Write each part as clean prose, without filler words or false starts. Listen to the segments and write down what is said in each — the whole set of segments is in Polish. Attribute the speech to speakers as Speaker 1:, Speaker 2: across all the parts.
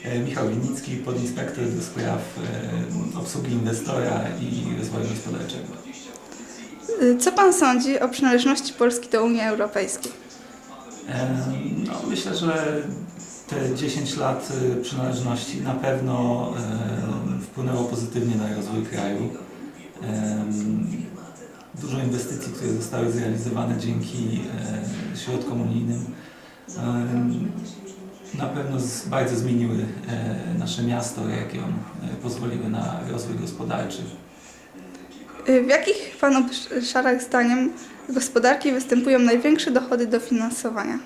Speaker 1: Michał Winnicki, podinspektor do spraw obsługi inwestora i rozwoju gospodarczego.
Speaker 2: Co Pan sądzi o przynależności Polski do Unii Europejskiej?
Speaker 1: No, myślę, że te 10 lat przynależności na pewno wpłynęło pozytywnie na rozwój kraju. Dużo inwestycji, które zostały zrealizowane dzięki środkom unijnym, na pewno bardzo zmieniły nasze miasto, region, pozwoliły na rozwój gospodarczy.
Speaker 2: W jakich Pan obszarach zdaniem gospodarki występują największe dochody do finansowania?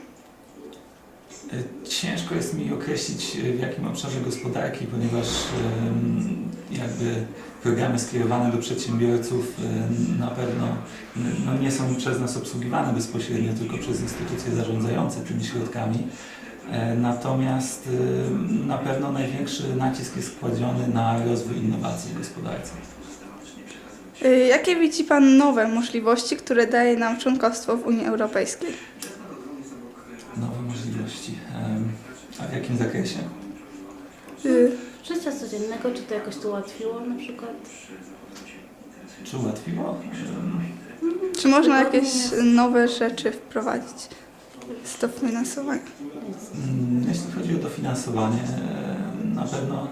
Speaker 1: Ciężko jest mi określić, w jakim obszarze gospodarki, ponieważ jakby programy skierowane do przedsiębiorców na pewno nie są przez nas obsługiwane bezpośrednio, tylko przez instytucje zarządzające tymi środkami. Natomiast na pewno największy nacisk jest kładziony na rozwój innowacji w gospodarce.
Speaker 2: Jakie widzi Pan nowe możliwości, które daje nam członkostwo w Unii Europejskiej?
Speaker 1: Nowe możliwości. A w jakim zakresie?
Speaker 3: Życia codziennego, czy to jakoś to ułatwiło na przykład?
Speaker 1: Czy ułatwiło?
Speaker 2: Czy można jakieś nowe rzeczy wprowadzić z dofinansowania?
Speaker 1: Jeśli chodzi o dofinansowanie, na pewno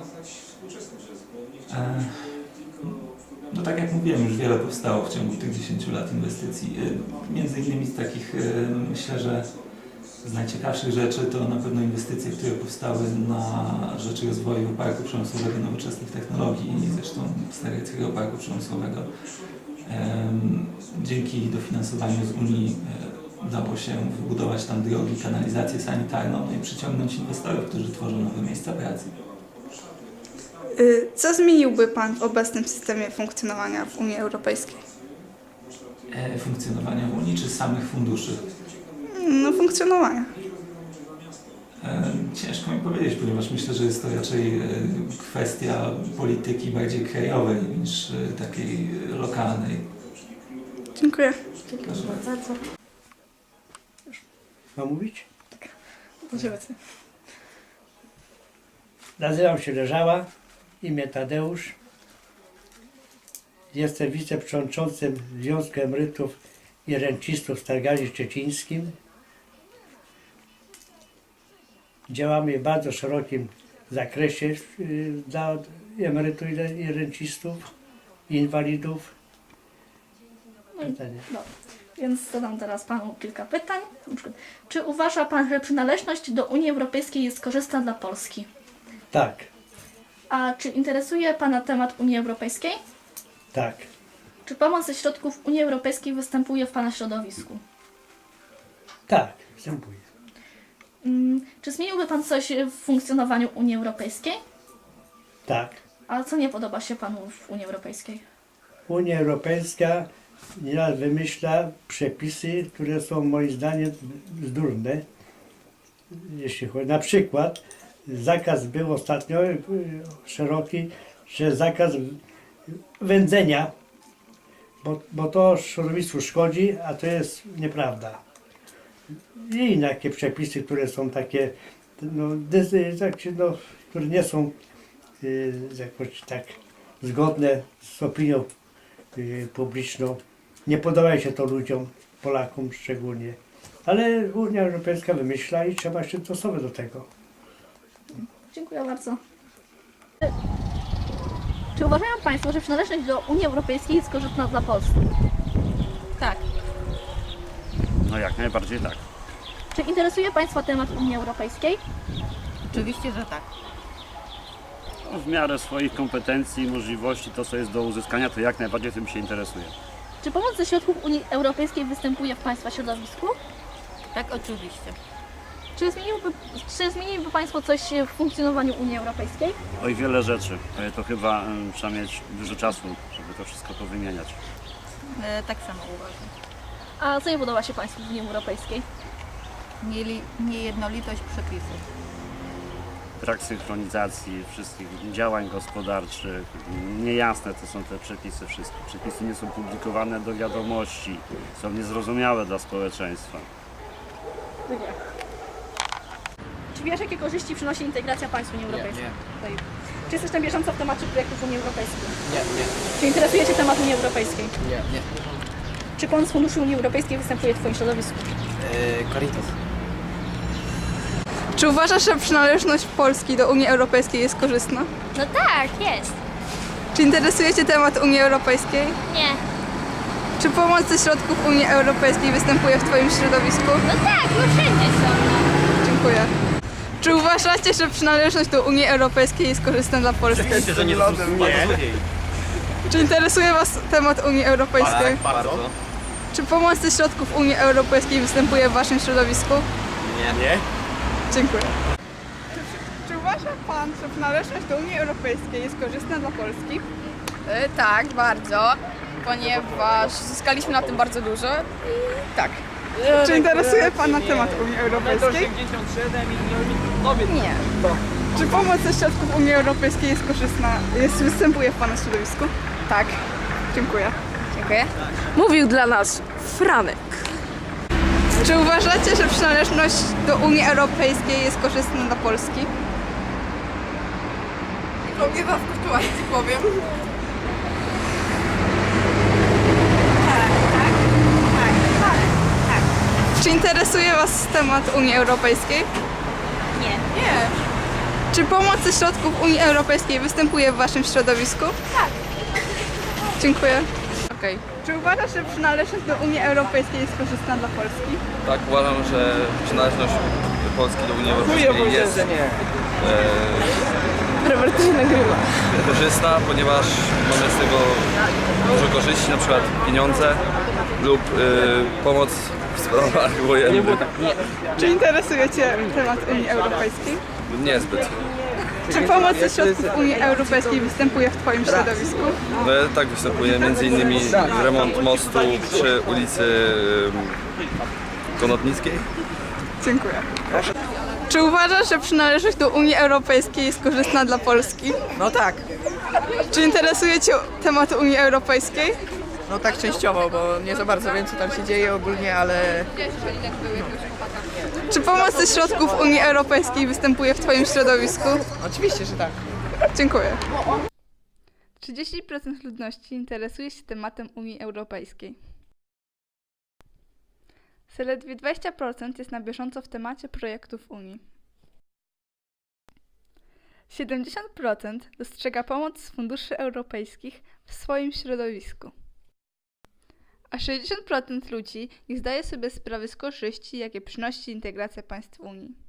Speaker 1: no tak jak mówiłem, już wiele powstało w ciągu tych 10 lat inwestycji. Między innymi z takich, myślę, że z najciekawszych rzeczy to na pewno inwestycje, które powstały na rzecz rozwoju parku przemysłowego nowoczesnych technologii, zresztą Stareckiego Parku Przemysłowego. Dzięki dofinansowaniu z Unii udało się wybudować tam drogi, kanalizację sanitarną, no i przyciągnąć inwestorów, którzy tworzą nowe miejsca pracy.
Speaker 2: Co zmieniłby Pan w obecnym systemie funkcjonowania w Unii Europejskiej?
Speaker 1: Funkcjonowania w Unii czy samych funduszy?
Speaker 2: No, funkcjonowania.
Speaker 1: Ciężko mi powiedzieć, ponieważ myślę, że jest to raczej kwestia polityki bardziej krajowej niż takiej lokalnej.
Speaker 2: Dziękuję.
Speaker 3: Dziękuję bardzo.
Speaker 4: Mam mówić?
Speaker 2: Proszę.
Speaker 4: Nazywam się Leżała, imię Tadeusz. Jestem wiceprzewodniczącym Związku Emerytów i Rencistów w Stargardzie Szczecińskim. Działamy w bardzo szerokim zakresie dla emerytów i rencistów, i inwalidów. Pytanie.
Speaker 5: No, więc zadam teraz Panu kilka pytań. Na przykład, czy uważa Pan, że przynależność do Unii Europejskiej jest korzystna dla Polski?
Speaker 4: Tak,
Speaker 5: A czy interesuje Pana temat Unii Europejskiej?
Speaker 4: tak,
Speaker 5: Czy pomoc ze środków Unii Europejskiej występuje w Pana środowisku?
Speaker 4: tak, występuje.
Speaker 5: Czy zmieniłby Pan coś w funkcjonowaniu Unii Europejskiej?
Speaker 4: Tak.
Speaker 5: A co nie podoba się Panu w Unii Europejskiej?
Speaker 4: Unia Europejska nieraz wymyśla przepisy, które są moim zdaniem bzdurne. Jeśli chodzi, na przykład zakaz był ostatnio szeroki, że zakaz wędzenia, bo to środowisku szkodzi, a to jest nieprawda. I inne takie przepisy, które są takie, które nie są jakoś tak zgodne z opinią publiczną. Nie podoba się to ludziom, Polakom szczególnie. Ale Unia Europejska wymyśla i trzeba się dostosować do tego.
Speaker 5: Dziękuję bardzo. Czy uważają Państwo, że przynależność do Unii Europejskiej jest korzystna dla Polski?
Speaker 6: Tak,
Speaker 7: No jak najbardziej tak.
Speaker 5: Czy interesuje Państwa temat Unii Europejskiej?
Speaker 6: oczywiście, że tak.
Speaker 7: No, w miarę swoich kompetencji i możliwości, to co jest do uzyskania, to jak najbardziej tym się interesuje.
Speaker 5: Czy pomoc ze środków Unii Europejskiej występuje w Państwa środowisku?
Speaker 6: Tak, oczywiście.
Speaker 5: Czy zmieniłyby Państwo coś w funkcjonowaniu Unii Europejskiej?
Speaker 7: Oj, wiele rzeczy. To chyba trzeba mieć dużo czasu, żeby to wszystko powymieniać.
Speaker 6: Tak samo uważam.
Speaker 5: A co nie podoba się Państwu w Unii Europejskiej?
Speaker 6: Niejednolitość przepisów.
Speaker 7: Brak synchronizacji wszystkich działań gospodarczych. Niejasne to są te przepisy wszystkie. Przepisy nie są publikowane do wiadomości, są niezrozumiałe dla społeczeństwa.
Speaker 5: Nie.
Speaker 8: Czy
Speaker 5: wiesz, jakie korzyści przynosi integracja państw Unii Europejskiej? Nie. Czy jesteś na bieżąco w temacie projektów Unii Europejskiej?
Speaker 8: Nie.
Speaker 5: Czy interesuje Cię temat Unii Europejskiej?
Speaker 8: Nie.
Speaker 5: Czy pomoc z funduszy Unii Europejskiej występuje w Twoim środowisku?
Speaker 8: Caritas.
Speaker 2: Czy uważasz, że przynależność Polski do Unii Europejskiej jest korzystna?
Speaker 9: No tak, jest.
Speaker 2: Czy interesuje Cię temat Unii Europejskiej?
Speaker 9: Nie.
Speaker 2: Czy pomoc ze środków Unii Europejskiej występuje w Twoim środowisku?
Speaker 9: No tak, no wszędzie są. No.
Speaker 2: Dziękuję. Czy uważacie, że przynależność do Unii Europejskiej jest korzystna dla Polski? Czy interesuje Was temat Unii Europejskiej?
Speaker 8: Bardzo.
Speaker 2: Czy pomoc ze środków Unii Europejskiej występuje w Waszym środowisku?
Speaker 8: Nie.
Speaker 2: Dziękuję. Czy uważa Pan, że przynależność do Unii Europejskiej jest korzystna dla Polski?
Speaker 10: Tak, bardzo, ponieważ zyskaliśmy na tym bardzo dużo i tak.
Speaker 2: Czy interesuje Pana temat Unii Europejskiej?
Speaker 10: Nie.
Speaker 2: Czy pomoc ze środków Unii Europejskiej jest korzystna, występuje w Pana środowisku?
Speaker 10: Tak.
Speaker 2: Dziękuję.
Speaker 10: Dziękuję.
Speaker 11: Mówił dla nas Franek.
Speaker 2: Czy uważacie, że przynależność do Unii Europejskiej jest korzystna dla Polski?
Speaker 10: Nie was kosztować, ci powiem.
Speaker 2: Czy interesuje Was temat Unii Europejskiej?
Speaker 9: Nie.
Speaker 2: Nie. Czy pomoc ze środków Unii Europejskiej występuje w Waszym środowisku? Tak. Dziękuję.
Speaker 10: Okej.
Speaker 2: Czy uważasz, że przynależność do Unii Europejskiej jest korzystna dla Polski?
Speaker 12: Tak, uważam, że przynależność Polski do Unii Europejskiej jest
Speaker 11: Robert się nagrywa.
Speaker 12: korzystna, ponieważ mamy z tego dużo korzyści, na przykład pieniądze lub pomoc w sprawach wojennych.
Speaker 2: Czy interesuje Cię temat Unii Europejskiej?
Speaker 12: Niezbyt.
Speaker 2: Czy pomoc ze środków Unii Europejskiej występuje w Twoim środowisku?
Speaker 12: No, tak występuje m.in. remont mostu przy ulicy Konotnickiej.
Speaker 2: Dziękuję. Czy uważasz, że przynależność do Unii Europejskiej jest korzystna dla Polski?
Speaker 8: No tak.
Speaker 2: Czy interesuje Cię temat Unii Europejskiej?
Speaker 8: No tak częściowo, bo nie za bardzo wiem, co tam się dzieje ogólnie, ale
Speaker 2: Czy pomoc ze środków Unii Europejskiej występuje w Twoim środowisku?
Speaker 8: oczywiście, że tak.
Speaker 2: Dziękuję. 30% ludności interesuje się tematem Unii Europejskiej. Zaledwie 20% jest na bieżąco w temacie projektów Unii. 70% dostrzega pomoc z funduszy europejskich w swoim środowisku. A 60% ludzi nie zdaje sobie sprawy z korzyści, jakie przynosi integracja państw Unii.